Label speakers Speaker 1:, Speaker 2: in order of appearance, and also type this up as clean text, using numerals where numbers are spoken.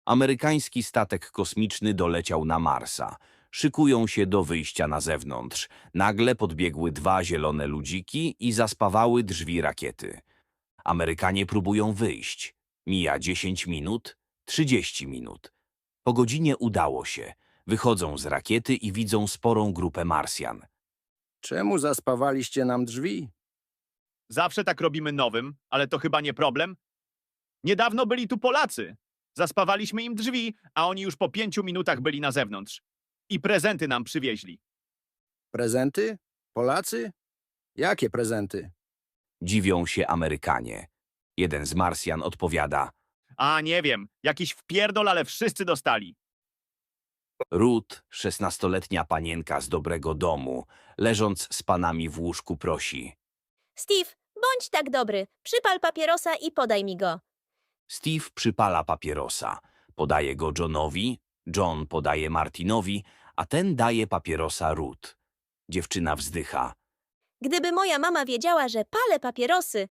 Speaker 1: Amerykański statek kosmiczny doleciał na Marsa. Szykują się do wyjścia na zewnątrz. Nagle podbiegły dwa zielone ludziki i zaspawały drzwi rakiety. Amerykanie próbują wyjść. Mija 10 minut, 30 minut. Po godzinie udało się. Wychodzą z rakiety i widzą sporą grupę Marsjan.
Speaker 2: Czemu zaspawaliście nam drzwi?
Speaker 3: Zawsze tak robimy nowym, ale to chyba nie problem. Niedawno byli tu Polacy. Zaspawaliśmy im drzwi, a oni już po 5 minutach byli na zewnątrz. I prezenty nam przywieźli.
Speaker 2: Prezenty? Polacy? Jakie prezenty?
Speaker 1: Dziwią się Amerykanie. Jeden z Marsjan odpowiada.
Speaker 3: A nie wiem, jakiś wpierdol, ale wszyscy dostali.
Speaker 1: Ruth, 16-letnia panienka z dobrego domu, leżąc z panami w łóżku, prosi.
Speaker 4: Steve, bądź tak dobry, przypal papierosa i podaj mi go.
Speaker 1: Steve przypala papierosa. Podaje go Johnowi, John podaje Martinowi, a ten daje papierosa Ruth. Dziewczyna wzdycha.
Speaker 4: Gdyby moja mama wiedziała, że palę papierosy,